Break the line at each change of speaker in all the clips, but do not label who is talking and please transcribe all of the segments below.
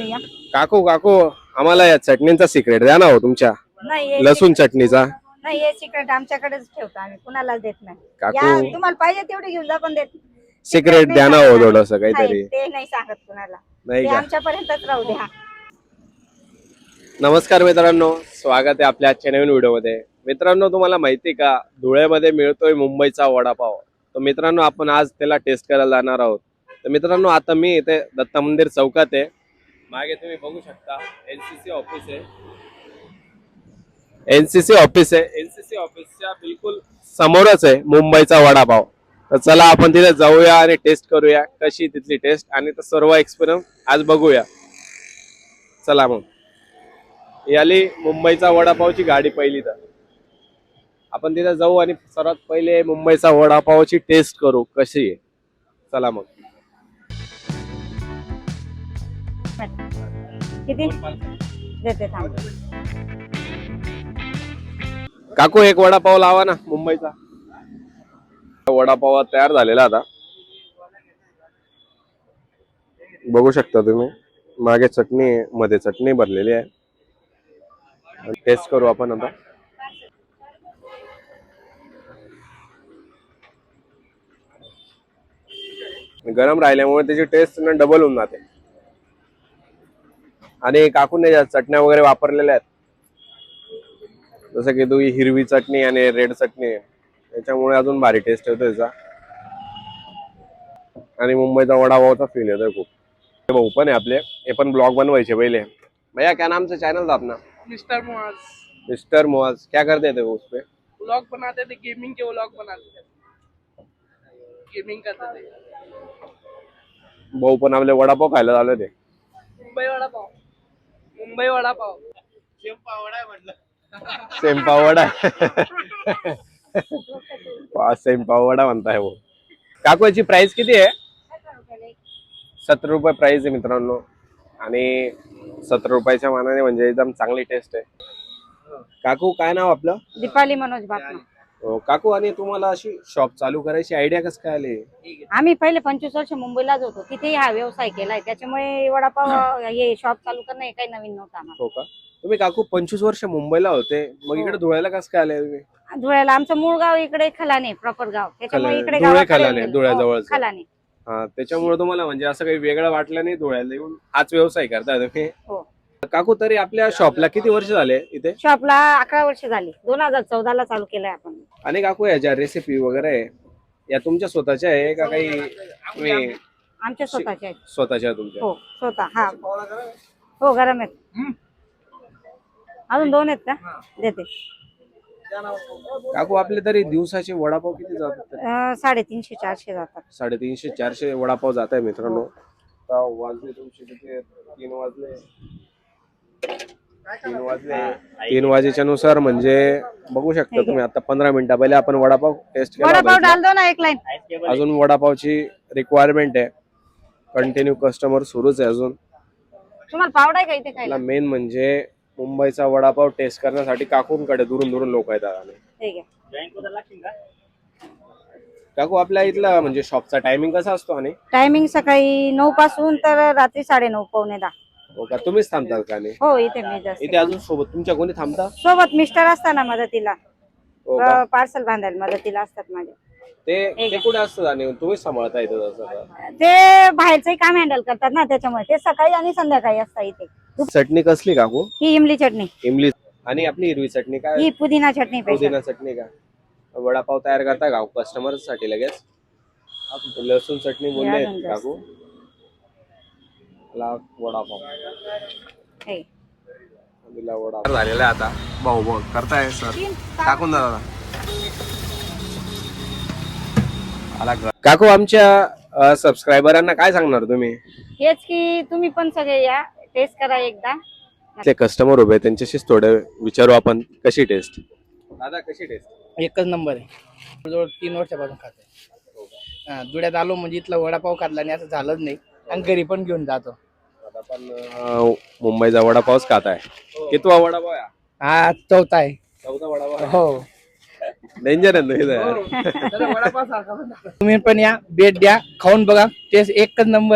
या.
काकू काकू आम्हाला या चटणीचा सिक्रेट द्या ना हो तुमच्या
नाही
लसूण चटणीचा.
नाही हे सिक्रेट आमच्याकडेच ठेवतो आम्ही, कुणालाच देत नाही.
काकू.
या तुम्हाला पाहिजे तेवढे घेऊन जा, पण देत
सिक्रेट द्या ना हो थोडस काहीतरी.
ते नाही सांगत कुणाला,
नाही
ते
का?
आमच्यापर्यंतच राहू द्या.
नमस्कार मित्रांनो, स्वागत आहे आपल्या आजच्या नवीन व्हिडिओमध्ये. मित्रांनो, तुम्हाला माहिती का धुळ्यामध्ये मिळतोय मुंबईचा वडापाव. तर मित्रांनो, आपण आज त्याला टेस्ट करायला जाणार आहोत. तर मित्रांनो, आता मी इथे दत्त मंदिर चौकात आहे. मागे तुम्ही बघू शकता एनसीसी ऑफिस आहे. एनसीसी ऑफिसच्या बिलकुल समोरच आहे मुंबईचा वडापाव. तर चला आपण तिथे जाऊया आणि टेस्ट करूया कशी तिथली टेस्ट आणि सर्व एक्सपिरियन्स आज बघूया. चला मग. याली मुंबईचा वडापावची गाडी पहिली, तर आपण तिथे जाऊ आणि सर्वात पहिले मुंबईचा वडापावची टेस्ट करू कशी आहे. चला मग.
किती देते थांब.
काकू एक वडापाव लावा ना मुंबईचा. वडापाव तयार झालेला आता बघू शकता तुम्ही. मागे चटणी, मध्ये चटणी भरलेली आहे. टेस्ट करू आपण आता. गरम राहिल्यामुळे त्याची टेस्ट डबल होऊन जाते. आणि काकूने ज्या चटण्या वगैरे वापरलेल्या आहेत, जसं की तुम्ही हिरवी चटणी आणि रेड चटणी, त्याच्यामुळे अजून भारी टेस्ट येतो त्याचा. आणि मुंबईचा वडापावचा फील येतोय खूप. भाऊ पण आहे आपले, हे पण ब्लॉग बनवायचे पहले. भैया क्या नाम से चैनल था अपना?
मिस्टर मुआज।
मिस्टर मुआज. क्या करते थे वो उस पे?
व्लॉग बनाते थे, गेमिंग के व्लॉग बनाते थे, गेमिंग करते थे।
भाऊ पण आपले वडापाव खायला झाले ते.
मुंबई वड़ा पाव, मुंबई वड़ा पाव।
सेम पावडा. सेम पावडा म्हणताय वो. काकू याची प्राइस किती आहे? 70 रुपये प्राइस आहे मित्रांनो. आणि 70 रुपयाच्या मानाने म्हणजे एकदम चांगली टेस्ट आहे. काकू काय नाव आपलं?
दीपाली मनोज बापना.
हो, काकू आणि तुम्हाला अशी शॉप चालू करायची आयडिया कसं काय आली?
आम्ही पहिले 25 वर्ष मुंबईलाच होतो, तिथेही हा व्यवसाय केलाय. त्याच्यामुळे वडापाव हे शॉप चालू करणं हे काही नवीन नव्हतं आम्हाला.
हो का? तुम्ही काकू 25 वर्ष मुंबईला होते, मग इकडे धुळ्याला कसं काय आले तुम्ही?
धुळ्याला आमचं मूळ गाव इकडे खलाने, प्रॉपर गाव. त्याच्यामुळे इकडे
धुळे
गावाकडे
खलाने,
गेलो.
धुळ्याजवळच.
हो, खलाने.
हा, त्याच्यामुळे तुम्हाला म्हणजे असं काही वेगळं वाटलं नाही धुळ्याला येऊन हाच व्यवसाय करताय तुम्ही?
हो.
काकू तरी आपल्या शॉपला किती वर्ष झाले इथे?
शॉपला 11 वर्ष झाली. 2014 ला चालू केलंय आपण.
आणि काकू या ज्या रेसिपी वगैरे आहे या तुमच्या स्वतःच्या आहे का काही तुम्ही
आमच्या स्वतःच्या आहेत.
स्वतःच्या तुमच्या?
हो, स्वतः. हा, हो, गरम आहेत. अजून 2 आहेत का? देते.
काकू आपले तरी दिवसाचे वडापाव किती जातात?
350-400 जातात.
350-400 वडापाव जात आहे मित्रांनो. आता वाजले तुमचे किती? 3 वाजले. 3 वाजेच्या नुसार म्हणजे बघू शकता तुम्ही. आता 15 मिनिटा पहिले आपण वडापाव टेस्ट केला
वडापाव
होता.
डाल दो ना एक लाईन.
अजून वडापावची रिक्वायरमेंट आहे. कंटिन्यू कस्टमर सुरूच आहे अजून.
तुम्हाला पावडा आहे का इथे खायला?
मेन म्हणजे मुंबईचा वडापाव टेस्ट करण्यासाठी काकूंकडे दुरून दुरून लोक येतात. आणि
ठीक आहे.
काकू आपल्या इथला म्हणजे शॉपचा टायमिंग कसा असतो? आणि
टायमिंग सकाळी 9 पासून तर रात्री 9:30 पावणे 10.
हो का? तुम्हीच थांबतात का? आणि
हो, इथे मी जास्त.
इथे अजून सोबत तुमच्या कोणी थांबता?
सोबत मिस्टर असताना मदतीला,
हो का?
पार्सल बांधायला मदतीला असतात माझे.
ते कुठे असतात आणि तुम्हीच सांभाळता इथं तसं?
ते बाहेरचंही काम हँडल करतात ना, त्याच्यामुळे ते सकाळी आणि संध्याकाळी असतात इथे.
चटणी कसली काकू?
ही इमली चटणी.
इमली. आणि आपली हिरवी चटणी काय?
ही पुदिना चटणी पाहिजे.
पुदिना चटणी का? वडापाव तयार करता का कस्टमर साठी लगेच? लसूण चटणी बोलले काकू. वडापाव दिला. वडापाव झालेला आहे आता. भाऊ भाऊ करताय सर, टाकून दादा. काकू आमच्या सबस्क्रायबरांना काय सांगणार तुम्ही?
हेच की तुम्ही पण सगळे या, टेस्ट करा एकदा.
ते कस्टमर उभे त्यांच्याशीच थोडं विचारू आपण कशी टेस्ट. दादा कशी टेस्ट?
एकच नंबर आहे. जवळ 3 वर्षापासून खाते. धुळ्यात आलो म्हणजे इथला वडापाव खाल्ला आणि असं झालंच नाही, आणि घरी पण घेऊन जातो.
आता पण मुंबईचा वडापावच खात आहे. कितवा वडापाव आहे?
हा, चौथा आहे.
4था वडापाव.
हो.
डेंजर आहे.
वडापाव सारखा. तुम्ही पण या, भेट द्या, खाऊन बघा. टेस्ट एकच नंबर आहे.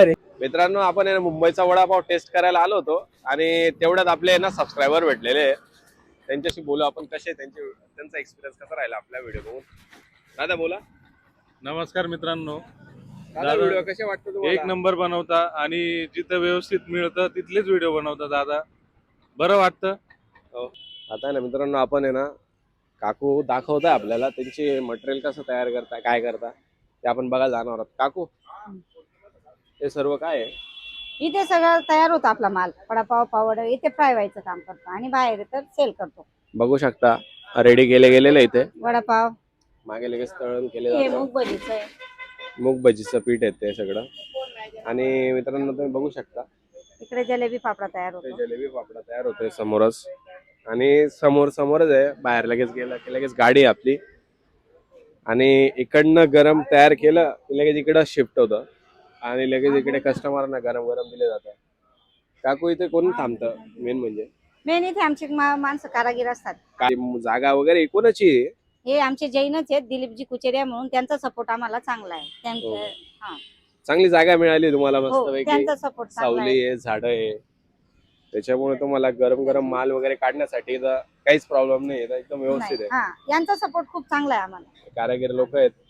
मित्रांनो आपण आहे ना मुंबईचा वडापाव टेस्ट करायला आलो होतो आणि तेवढ्यात आपले आहे ना सबस्क्रायबर भेटलेले आहे. त्यांच्याशी बोलू आपण कसे त्यांचा एक्सपिरियन्स कसा राहिला आपल्या व्हिडिओ बघून. दादा बोला.
नमस्कार मित्रांनो.
दादा व्हिडिओ कसे वाटतो तुम्हाला?
एक नंबर बनवता आणि जिथं व्यवस्थित मिळतं तिथलेच व्हिडिओ बनवता दादा. बरं वाटतं.
हो. आता आहे ना मित्रांनो आपण आहे ना काकू दाखवताय आपल्याला त्यांची मटेरियल कसं तयार करता काय करता ते आपण बघायला जाणार आहोत. काकू हे सर्व काय आहे?
इथे सगळं तयार होतं आपला माल. वडापाव पावड इथे फ्राय व्हायचं काम करतो आणि बाहेर तर सेल करतो.
बघू शकता रेडी केले गेलेले इथे.
वडापाव
मागे लगेच तळण केले
हे
जातं.
मूग भजीचं आहे.
मूग भजीचं पीठ आहे ते सगळं. आणि मित्रांनो तुम्ही बघू शकता
इकडे जलेबी फाफडा तयार
ते
होतो.
जलेबी पापडा तयार होतोय समोरच. आणि समोरच आहे. बाहेर लगेच गेलं की लगेच गाडी आहे आपली आणि इकडनं गरम तयार केलं की लगेच इकडं शिफ्ट होतं आणि लगेच इकडे कस्टमरना गरम गरम दिले जातं. काकू इथे कोण थांबतं मेन म्हणजे?
मेन इथे आमची माणसं कारागीर असतात.
काय जागा वगैरे कोणाची आहे?
हे आमचे जैनच आहेत, दिलीपजी कुचेरिया म्हणून. त्यांचा सपोर्ट आम्हाला चांगला आहे.
हो.
त्यांचं हा
चांगली जागा मिळाली तुम्हाला
हो
मस्तपैकी.
त्यांचा सपोर्ट चांगला आहे.
सावली आहे झाड आहे त्याच्यामुळे तुम्हाला गरम गरम माल वगैरे काढण्यासाठी इथं काहीच प्रॉब्लेम नाही. इथं एकदम व्यवस्थित
नाही,
आहे.
हा यांचा सपोर्ट खूप चांगला आहे आम्हाला.
कारागीर लोक आहेत